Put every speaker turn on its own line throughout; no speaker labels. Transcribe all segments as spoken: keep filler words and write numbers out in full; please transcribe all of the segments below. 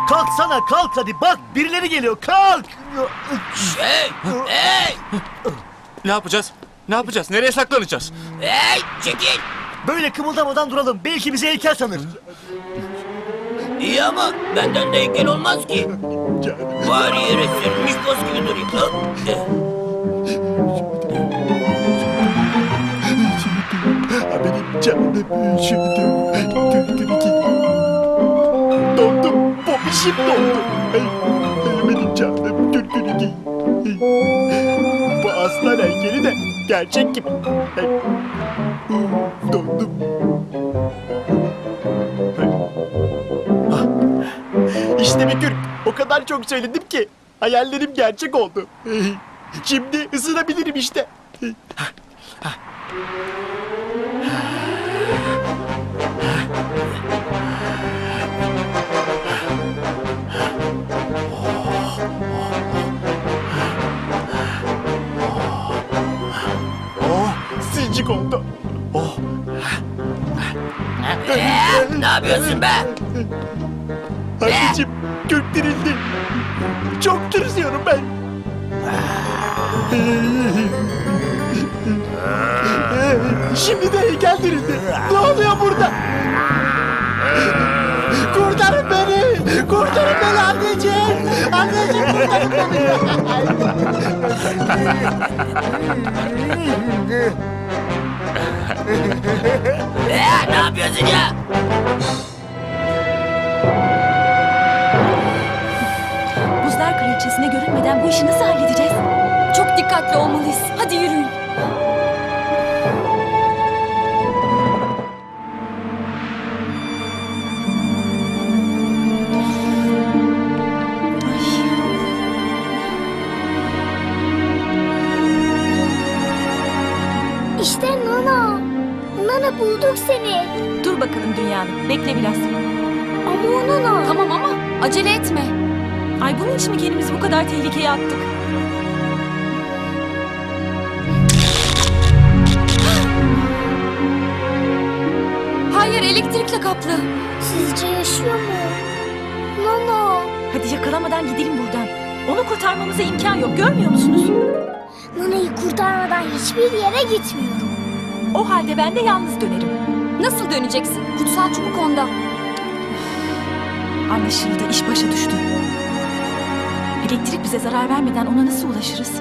Kalksana kalk hadi bak birileri geliyor kalk.
Hey! Hey!
Ne yapacağız? Ne yapacağız? Nereye saklanacağız?
Hey! Çekil!
Böyle kımıldamadan duralım belki bizi heykel sanır.
İyi ama benden de heykel olmaz ki. Bari yere sürülmüş boz gibi durayım.
Benim canım üşüdü. Dondum. Popişim dondu. Benim canım gürgürü. Bu aslan heykeli de gerçek gibi. Dondum. İşte bir Türk. O kadar çok söyledim ki hayallerim gerçek oldu. Şimdi ısınabilirim işte. Oh, sıcak oldu. Oh.
Ee, ne yapıyorsun be?
Anneciğim göktirildi. Çok tırsıyorum ben. Şimdi de heykel dirildi. Ne oluyor burada? Kurtarın beni! Kurtarın beni anneciğim! Anneciğim kurtarın beni!
Ee, ne yapıyorsun ya?
Buzlar Kraliçesi'ne görünmeden bu işi nasıl halledeceğiz? Çok dikkatli olmalıyız. Hadi yürüyün.
İşte Nana. Nana bulduk seni.
Dur bakalım dünyanın. Bekle biraz.
Ama o Nana.
Tamam ama acele etme. Ay bunun için mi kendimizi bu kadar tehlikeye attık? Hayır, elektrikle kaplı.
Sizce yaşıyor mu? Nana.
Hadi yakalamadan gidelim buradan. Onu kurtarmamıza imkan yok. Görmüyor musunuz?
Nana'yı kurtarmadan hiçbir yere gitmiyorum.
O halde ben de yalnız dönerim. Nasıl döneceksin? Kutsal çubuk onda. Anlaşıldı. İş başa düştü. Elektrik bize zarar vermeden ona nasıl ulaşırız?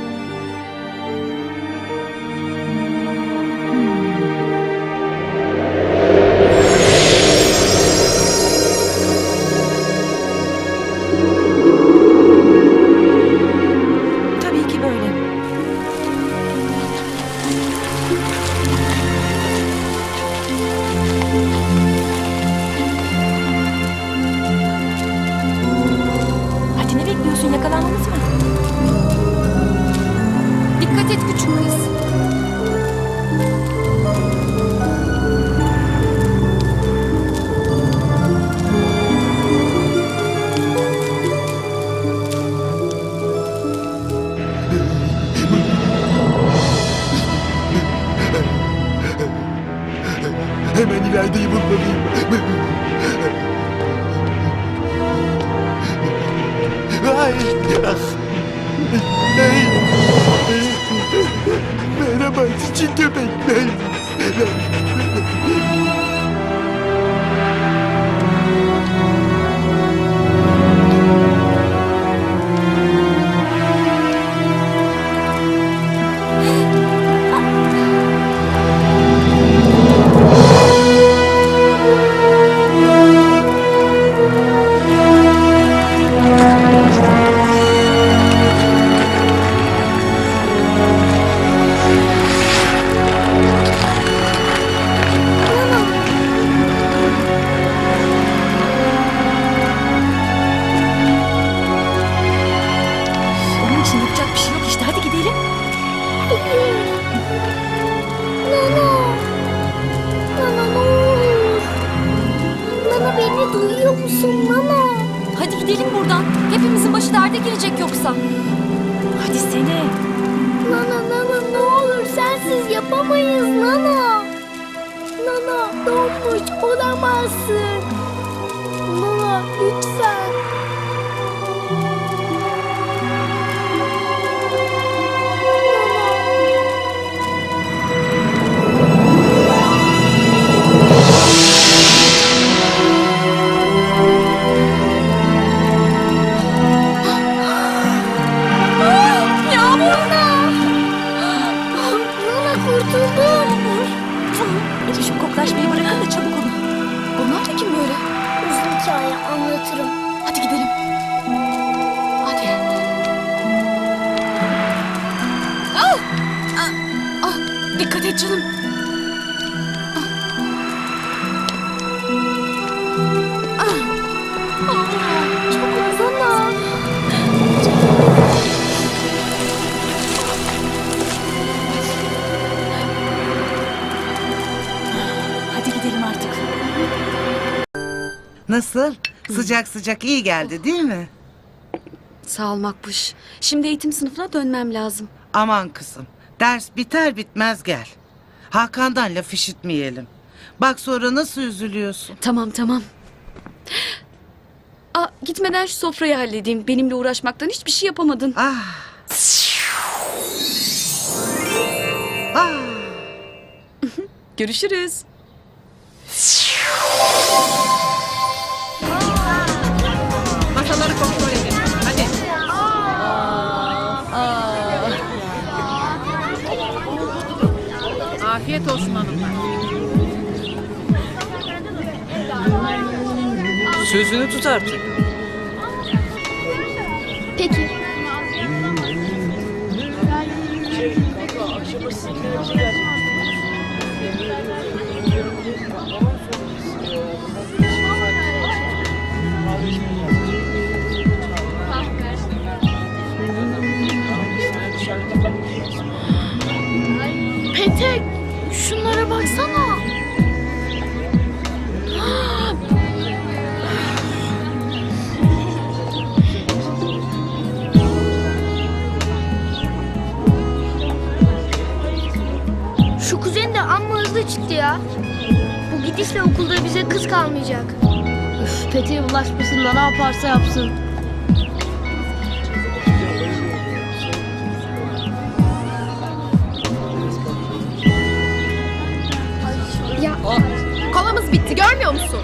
Tabii ki böyle. Hadi ne bekliyorsun? Yakalanmamız mı? Dikkat et küçük kız.
Hemen ilerideyi bulmalıyım. Ay! Ah! Hey! Merhaba çiçek köpekler.
Onun için yapacak bir şey yok işte. Hadi gidelim.
Nana. Nana ne olur. Nana beni duyuyor musun Nana?
Hadi gidelim buradan. Hepimizin başı derde girecek yoksa. Hadi seni.
Nana Nana ne olur sensiz yapamayız Nana. Nana donmuş olamazsın. Nana lütfen.
hazırım. Hadi gidelim. Hadi. Ah! Ah! Ah! Dikkat et canım. Ah! Ah! Ah! Çok uzana. Hadi gidelim artık.
Nasıl? Sıcak sıcak iyi geldi değil mi?
Sağ ol Makbuş. Şimdi eğitim sınıfına dönmem lazım.
Aman kızım. Ders biter bitmez gel. Hakan'dan laf işitmeyelim. Bak sonra nasıl üzülüyorsun.
Tamam tamam. Aa, gitmeden şu sofrayı halledeyim. Benimle uğraşmaktan hiçbir şey yapamadın.
Ah. Ah.
Görüşürüz.
Masaları kontrol edin. Hadi. Afiyet olsun hanımlar.
Sözünü tut artık.
Peki. Petek, şunlara baksana. Şu kuzen de amma hızlı çıktı ya. Bu gidişle okulda bize kız kalmayacak. Üf, Petek'e bulaşmasın da ne yaparsa yapsın. Ya kolamız bitti görmüyor musun?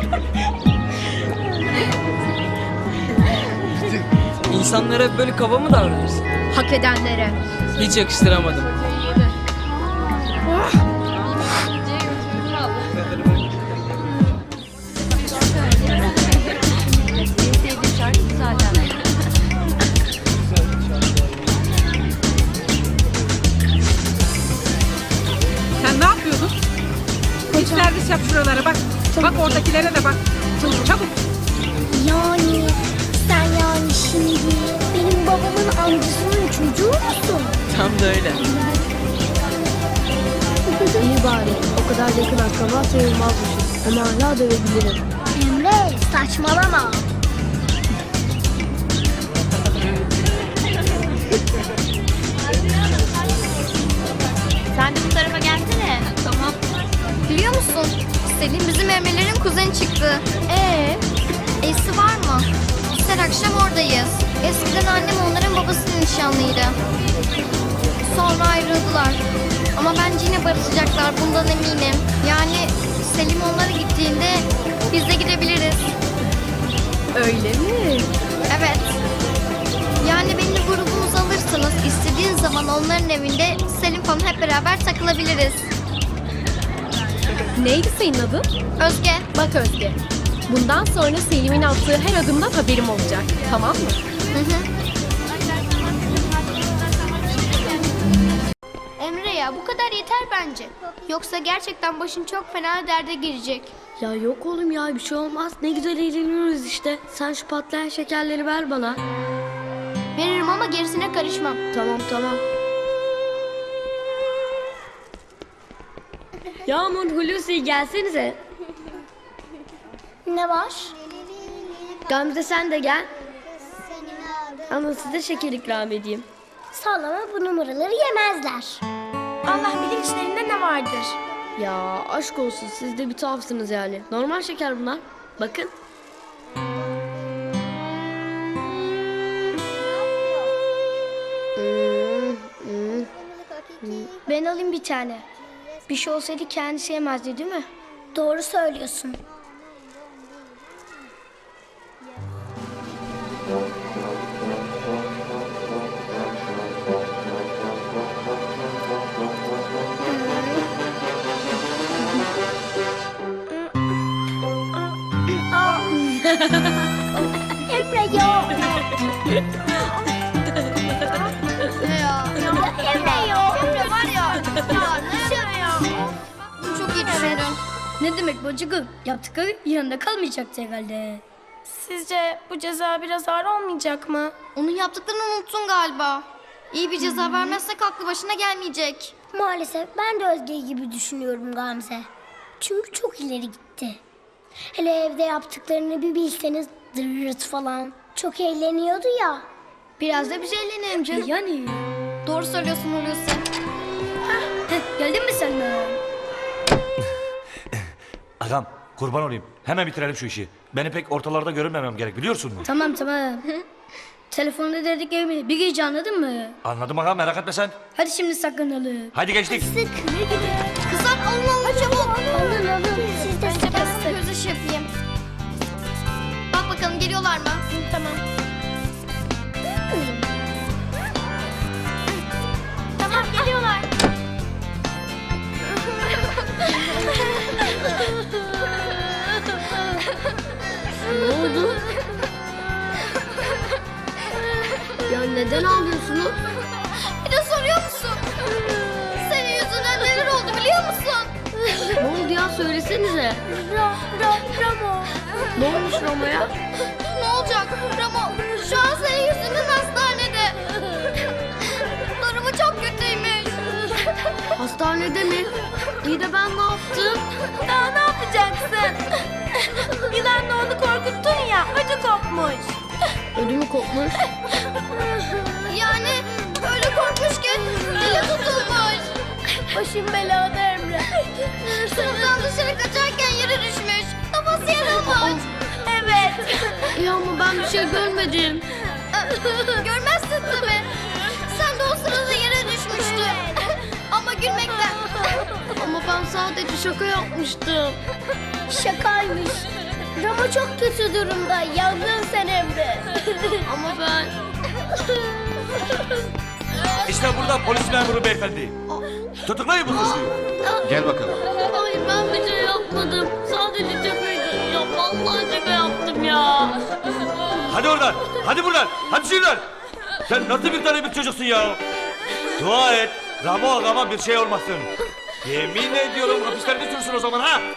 İnsanlara hep böyle kaba mı davranırsın?
Hak edenlere.
Hiç yakıştıramadım.
Sen ne yapıyordun? Hiç servis yap şuralara bak. Bak oradakilere de bak. Çabuk.
Yani sen yani şimdi benim babamın amcasının çocuğu musun?
Tam da öyle.
İyi bari o kadar yakın akraba sayılmazmışız ama hala dövebilirim. Emre saçmalama.
Sen de bu tarafa gelsene. Tamam.
Biliyor musun? Selim bizim Emre'lerin kuzeni çıktı. Ee? Esi var mı? Biz her akşam oradayız. Eskiden annem onların babasının nişanlıydı. Sonra ayrıldılar. Ama bence yine barışacaklar bundan eminim. Yani Selim onlara gittiğinde biz de gidebiliriz.
Öyle mi?
Evet. Yani beni grubumuza alırsanız istediğin zaman onların evinde Selim falan hep beraber takılabiliriz.
Neydi senin adın?
Özge.
Bak Özge. Bundan sonra Selim'in attığı her adımdan haberim olacak. Tamam mı?
Hı hı. Emre ya bu kadar yeter bence. Yoksa gerçekten başın çok fena derde girecek.
Ya yok oğlum ya bir şey olmaz. Ne güzel eğleniyoruz işte. Sen şu patlayan şekerleri ver bana.
Veririm ama gerisine karışmam.
Tamam tamam. Yağmur, Hulusi gelsenize.
Ne var?
Gamze sen de gel. Ama size şeker ikram edeyim.
Sallama bu numaraları yemezler. Allah bilir içlerinde ne vardır.
Ya aşk olsun siz de bir tuhafsınız yani. Normal şeker bunlar. Bakın. Hmm, hmm.
Ben alayım bir tane. Bir şey olsaydı kendisi yemezdi değil mi? Doğru söylüyorsun. ya.
Emre ya.
Emre var ya. Ya ne ya? Çok iyi düşündün.
Ne demek bacıkım? Yaptıkları yanında kalmayacaktı herhalde.
Sizce bu ceza biraz ağır olmayacak mı?
Onun yaptıklarını unuttun galiba. İyi bir ceza vermezsek aklı başına gelmeyecek.
Maalesef ben de Özge gibi düşünüyorum Gamze. Çünkü çok ileri gitti. Hele evde yaptıklarını bir bilseniz dırırt falan. Çok eğleniyordu ya.
Biraz da biz eğlenelim canım.
Yani.
Doğru söylüyorsun Hulusi.
Heh, geldin mi sen de?
Agam kurban olayım. Hemen bitirelim şu işi. Beni pek ortalarda görünmemem gerek biliyorsun mu?
Tamam tamam. Telefonda dediklerimi bir gece anladın mı?
Anladım agam merak etme sen.
Hadi şimdi saklanalım.
Hadi geçtik.
Kızlar alın alın çabuk.
Alın alın. Siz de
Önce ben
sıkı
sana göz ışığı yapayım. Bak bakalım geliyorlar mı?
Tamam.
Tamam geliyorlar.
Ne oldu? Ya neden ağlıyorsunuz?
Bir de soruyor musun? Senin yüzünden neler oldu biliyor musun?
Ne oldu ya söylesenize.
Ra, ra, Ramo.
Ne olmuş Roma'ya?
Ne olacak? Ramo şu an senin yüzünden hastanede. Durumu çok kötüymüş.
Hastanede mi? İyi de ben ne yaptım?
Daha ne yapacaksın? Yılanla onu korkuttun ya, ödü kopmuş.
Ödümü kopmuş.
Yani öyle korkmuş ki dili tutulmuş.
Başım belada Emre.
Sınıftan dışarı kaçarken yere düşmüş. Kafası yarılmış.
Evet.
Ya ama ben bir şey görmedim.
Görmezsin tabii. Sen de o sırada yere düşmüştün. Ama gülmekten.
Ama ben sadece şaka yapmıştım. Şakaymış. Rama çok kötü durumda. Yandın sen Emre. Ama ben...
İşte burada polis memuru beyefendi. Tutuklayın bu suçluyu.
Gel bakalım.
Hayır ben bir şey yapmadım. Sadece şakaydı. Ya vallahi şaka yaptım ya.
Hadi oradan. Hadi buradan. Hadi şuradan. Sen nasıl bir tane bir çocuksun ya? Dua et. Ramo agama bir şey olmasın. Yemin ediyorum hapislerde sürsün o zaman ha.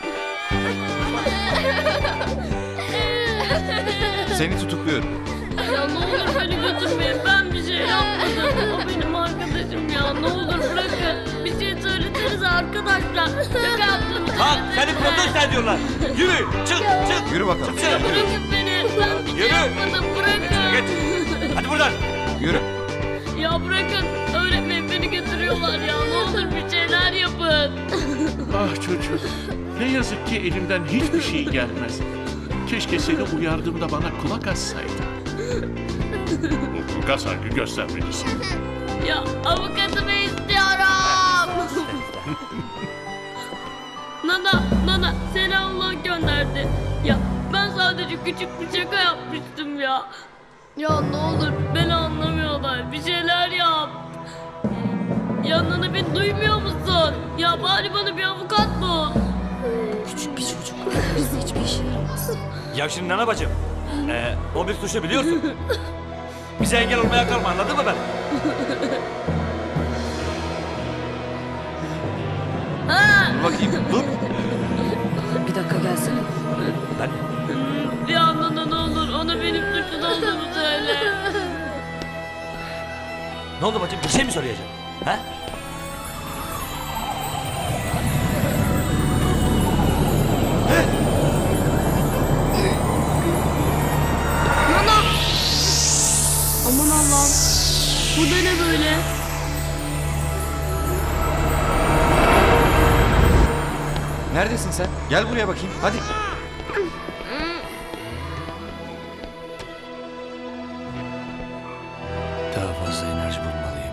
Seni tutukluyorum.
Ya ne olur beni götürmeyin. Ben bir şey yapmadım. O benim arkadaşım ya. Ne olur bırakın. Bir şey söylesenize arkadaşlar. Şaka yaptım.
Bak seni protesto ediyorlar. Yürü. Çık çık.
Yürü bakalım.
Çık sen.
Bırakın beni. Ben bir şey
Yürü.
yapmadım. Bırakın.
Geç. Hadi buradan.
Yürü.
Ya bırakın. Öğretmeyin beni götürüyorlar ya. Ne olur bir şeyler yapın.
Ah çocuk, ne yazık ki elimden hiçbir şey gelmez. Keşke seni uyardığımda bana kulak assaydın. Gaz hangi göstermelisin?
Ya avukatımı istiyorum. Nana, Nana seni Allah gönderdi. Ya ben sadece küçük bir şaka yapmıştım ya. Ya ne olur beni anlamıyorlar. Bir şeyler yap. Ya Nana beni duymuyor musun? Ya bari bana bir avukat bul.
Küçük bir çocuk. Bizde hiçbir işe yaramaz.
Ya şimdi Nana bacım. Ee, o bir suçlu biliyorsun. Bize engel olmaya kalma anladın mı ben?
Dur bakayım. Dur.
Bir dakika gelsene.
Ben
Ya Nana ne olur ona benim suçlu olduğumu söyle.
ne oldu bacım bir şey mi söyleyeceksin? Ha?
Aman Allah'ım. Bu da ne böyle?
Neredesin sen? Gel buraya bakayım. Hadi.
Daha fazla enerji bulmalıyım.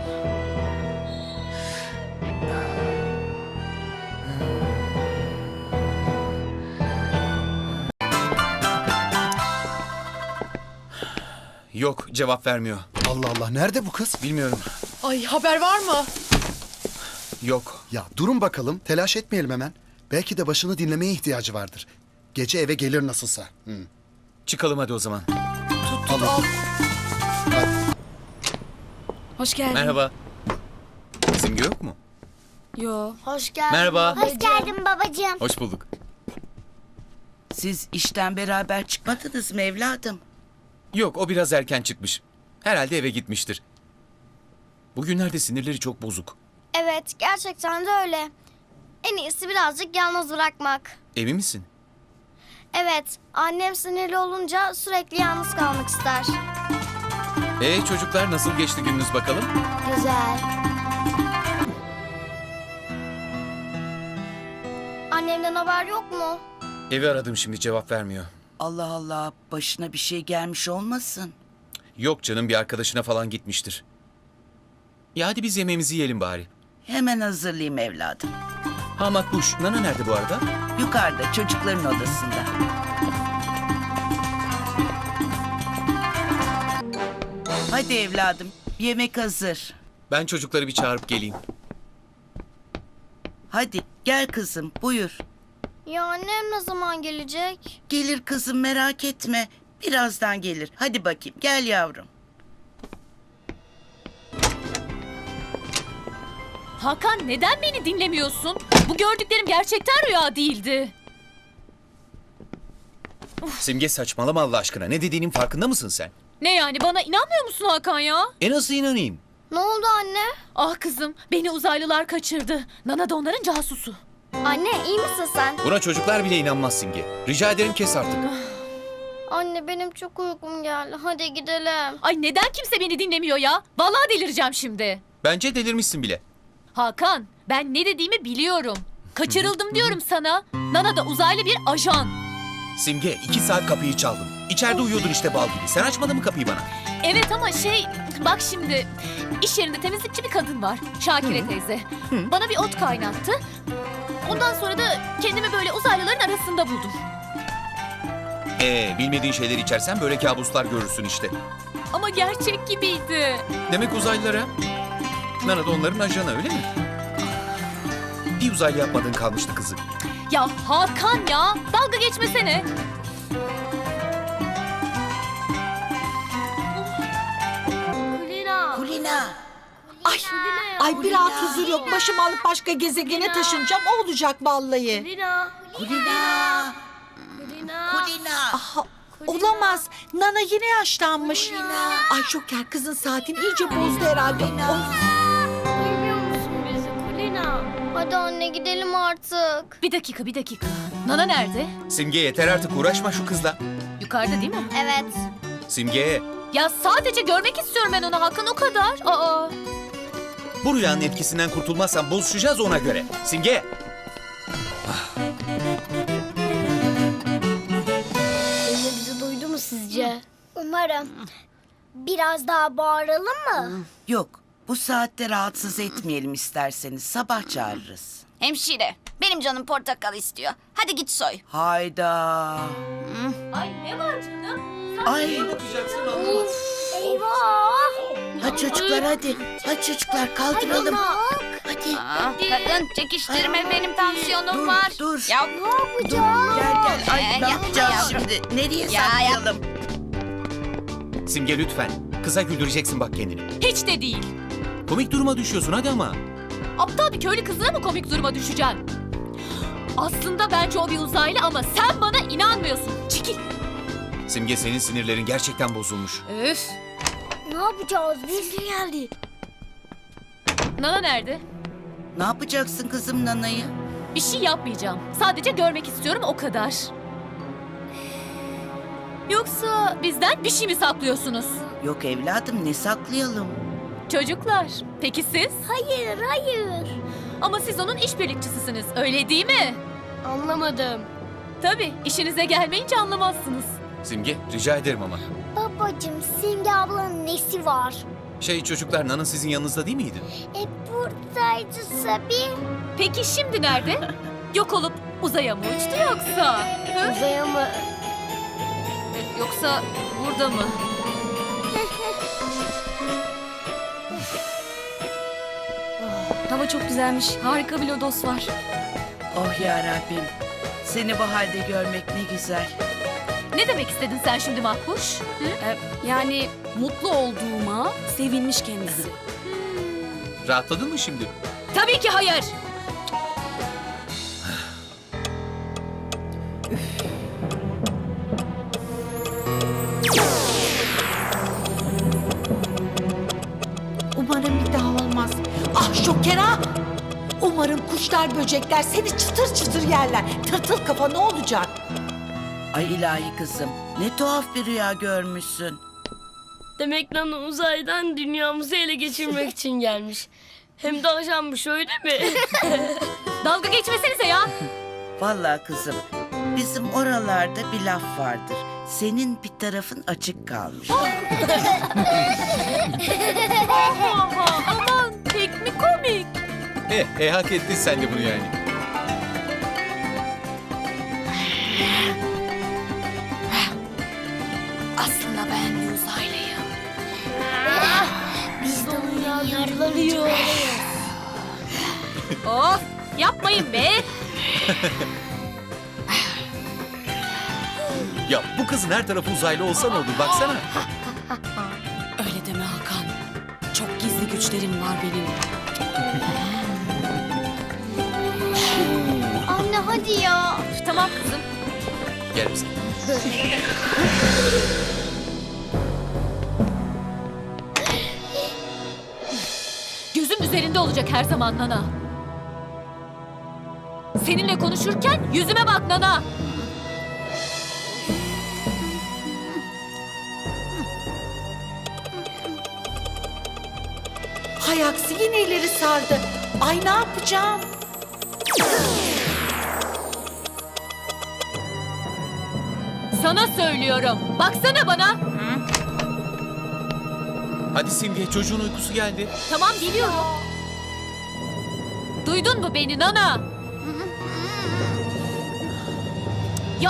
Yok, cevap vermiyor.
Allah Allah nerede bu kız?
Bilmiyorum.
Ay haber var mı?
Yok.
Ya durun bakalım, telaş etmeyelim hemen. Belki de başını dinlemeye ihtiyacı vardır. Gece eve gelir nasılsa. Hı.
Çıkalım hadi o zaman.
Tut tut al. Hoş geldin.
Merhaba. Simge yok mu?
Yo.
Hoş geldin.
Merhaba.
Hoş geldin babacığım.
Hoş bulduk.
Siz işten beraber çıkmadınız mı evladım?
Yok, o biraz erken çıkmış. Herhalde eve gitmiştir. Bugünlerde sinirleri çok bozuk.
Evet, gerçekten de öyle. En iyisi birazcık yalnız bırakmak.
Emin misin?
Evet, annem sinirli olunca sürekli yalnız kalmak ister.
Ee çocuklar, nasıl geçti gününüz bakalım?
Güzel. Annemden haber yok mu?
Evi aradım, şimdi cevap vermiyor.
Allah Allah, başına bir şey gelmiş olmasın.
Yok canım, bir arkadaşına falan gitmiştir. Ya hadi biz yemeğimizi yiyelim bari.
Hemen hazırlayayım evladım.
Ha Makbuş, Nana nerede bu arada?
Yukarıda çocukların odasında. Hadi evladım, yemek hazır.
Ben çocukları bir çağırıp geleyim.
Hadi gel kızım, buyur.
Ya annem ne zaman gelecek?
Gelir kızım, merak etme. Birazdan gelir. Hadi bakayım, gel yavrum.
Hakan, neden beni dinlemiyorsun? Bu gördüklerim gerçekten rüya değildi.
Simge, saçmalama Allah aşkına. Ne dediğinin farkında mısın sen?
Ne yani, bana inanmıyor musun Hakan ya?
E nasıl inanayım?
Ne oldu anne?
Ah kızım, beni uzaylılar kaçırdı. Nana da onların casusu.
Anne iyi misin sen?
Buna çocuklar bile inanmaz Simge. Rica ederim, kes artık.
Anne benim çok uykum geldi. Hadi gidelim.
Ay neden kimse beni dinlemiyor ya? Vallahi delireceğim şimdi.
Bence delirmişsin bile.
Hakan, ben ne dediğimi biliyorum. Kaçırıldım diyorum sana. Nana da uzaylı bir ajan.
Simge, iki saat kapıyı çaldım. İçeride uyuyordun işte bal gibi. Sen açmadın mı kapıyı bana?
Evet ama şey, bak şimdi. İş yerinde temizlikçi bir kadın var. Şakire teyze. Bana bir ot kaynattı. Ondan sonra da kendimi böyle uzaylıların arasında buldum.
Ee, bilmediğin şeyleri içersen böyle kabuslar görürsün işte.
Ama gerçek gibiydi.
Demek uzaylılara. Nana da onların ajanı, öyle mi? Bir uzaylı yapmadığın kalmıştı kızım.
Ya Hakan ya, dalga geçmesene.
Kulina.
Kulina.
Ay, ay bir rahat huzur yok. Başımı alıp başka gezegene taşınacağım. O olacak vallahi.
Kulina.
Kulina.
Kulina.
Kulina.
Aha, olamaz. Nana yine yaşlanmış. Ay Şoker, kızın saatini iyice bozdu herhalde. Of.
Duymuyor musun bizi Kulina?
Hadi anne gidelim artık.
Bir dakika, bir dakika. Nana nerede?
Simge, yeter artık, uğraşma şu kızla.
Yukarıda değil mi?
Evet.
Simge,
Ya sadece görmek istiyorum ben onu Hakan, o kadar. Aa.
bu rüyanın etkisinden kurtulmazsan bozuşacağız ona göre. Simge!
Teyze bizi duydu mu sizce? Umarım. Biraz daha bağıralım mı?
Yok, bu saatte rahatsız etmeyelim isterseniz. Sabah çağırırız.
Hemşire, benim canım portakal istiyor. Hadi git soy.
Hayda.
Ay ne var canım?
Ay.
Eyvah!
Hadi çocuklar hadi. Hadi çocuklar kaldıralım. Hadi.
Aa, kadın çekiştirme, benim tansiyonum
Dur,
var.
dur.
Ya,
Ne yapacağız?
Gel gel. Ay
Ee,
ne
yapma
yapacağız
yavrum.
şimdi? Nereye
Ya,
saklayalım?
Simge lütfen. Kıza güldüreceksin bak kendini.
Hiç de değil.
Komik duruma düşüyorsun hadi ama.
Aptal bir köylü kızına mı komik duruma düşeceksin? Aslında bence o bir uzaylı ama sen bana inanmıyorsun. Çekil.
Simge, senin sinirlerin gerçekten bozulmuş.
Üf.
Ne yapacağız biz?
geldi.
Nana nerede?
Ne yapacaksın kızım Nana'yı?
Bir şey yapmayacağım. Sadece görmek istiyorum, o kadar. Yoksa bizden bir şey mi saklıyorsunuz?
Yok evladım, ne saklayalım?
Çocuklar, peki siz?
Hayır, hayır.
Ama siz onun işbirlikçisisiniz, öyle değil mi?
Anlamadım.
Tabii, işinize gelmeyince anlamazsınız.
Simge, rica ederim ama.
Babacığım, Simge ablanın nesi var?
Şey çocuklar, Nana sizin yanınızda değil miydi?
E buradaydı Sabi.
Peki şimdi nerede? Yok olup uzaya mı uçtu yoksa? Hı?
Uzaya mı?
Yoksa burada mı? Hava çok güzelmiş. Harika bir lodos var.
Oh ya Rabbim. Seni bu halde görmek ne güzel.
Ne demek istedin sen şimdi Makbuş?
Ee, yani mutlu olduğuma sevinmiş kendisi.
Rahatladın mı şimdi?
Tabii ki hayır.
Umarım bir daha olmaz. Ah Şoker ha! Umarım kuşlar böcekler seni çıtır çıtır yerler. Tırtıl kafa ne olacak?
Ay ilahi kızım, ne tuhaf bir rüya görmüşsün.
Demek Nana uzaydan dünyamızı ele geçirmek için gelmiş. Hem de ajanmış öyle mi?
Dalga geçmesenize ya.
Vallahi kızım, bizim oralarda bir laf vardır. Senin bir tarafın açık kalmış.
Aman pek mi komik?
Eh, e, hak ettin sen de bunu yani.
Aslında ben bir uzaylıyım.
Biz de uyarılıyor.
Of yapmayın be.
Ya bu kızın her tarafı uzaylı olsa ne olur baksana.
Öyle deme Hakan. Çok gizli güçlerim var benim.
Anne hadi ya.
Tamam kızım.
Gel bize.
Gözüm üzerinde olacak her zaman Nana. Seninle konuşurken yüzüme bak Nana.
Hay aksi yine ileri sardı. Ay ne yapacağım?
Sana söylüyorum. Baksana bana.
Hadi Simge, çocuğun uykusu geldi.
Tamam biliyorum. Duydun mu beni Nana? Ya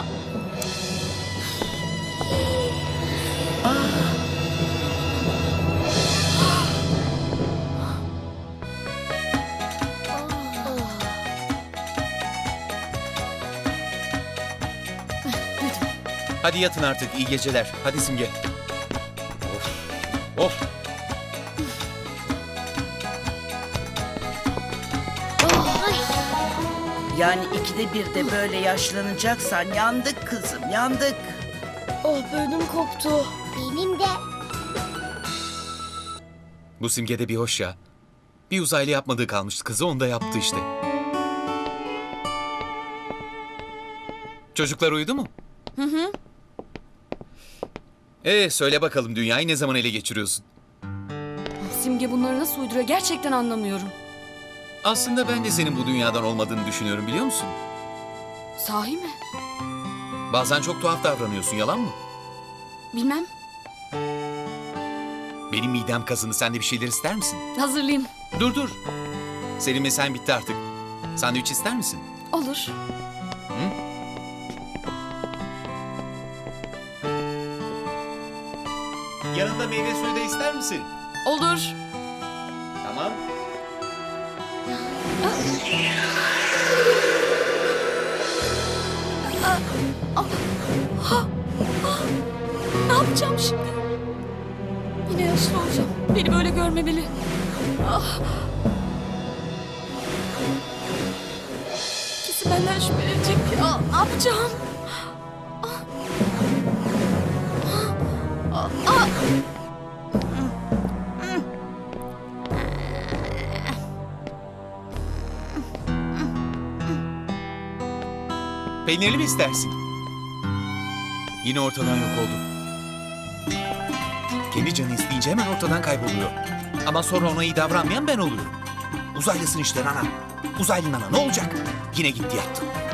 Hadi yatın artık, iyi geceler. Hadi Simge. Of, of.
Yani ikide bir de böyle yaşlanacaksan yandık kızım, yandık.
Oh benim koptu.
Benim de.
Bu Simge'de bir hoş ya. Bir uzaylı yapmadığı kalmıştı kızı, onu da yaptı işte. Çocuklar uyudu mu?
Hı hı.
Ee, söyle bakalım dünyayı ne zaman ele geçiriyorsun?
Simge bunları nasıl uyduruyor gerçekten anlamıyorum.
Aslında ben de senin bu dünyadan olmadığını düşünüyorum, biliyor musun?
Sahi mi?
Bazen çok tuhaf davranıyorsun, yalan mı?
Bilmem.
Benim midem kazındı, sen de bir şeyler ister misin?
Hazırlayayım.
Dur dur. Senin mesen bitti artık. Sandviç ister misin?
Olur.
Hı? Yanında meyve suyu da ister misin?
Olur.
Tamam.
Ne yapacağım şimdi? Yine yaşlı olacağım. Beni böyle görmemeli. Ah. Kesin benden şüphelenecek. Ah, ne yapacağım? Ah. Ah. Ah.
Peynirli mi istersin? Yine ortadan yok oldu. Kendi canı isteyince hemen ortadan kayboluyor. Ama sonra ona iyi davranmayan ben oluyorum. Uzaylısın işte Nana. Uzaylı Nana ne olacak? Yine gitti yattı.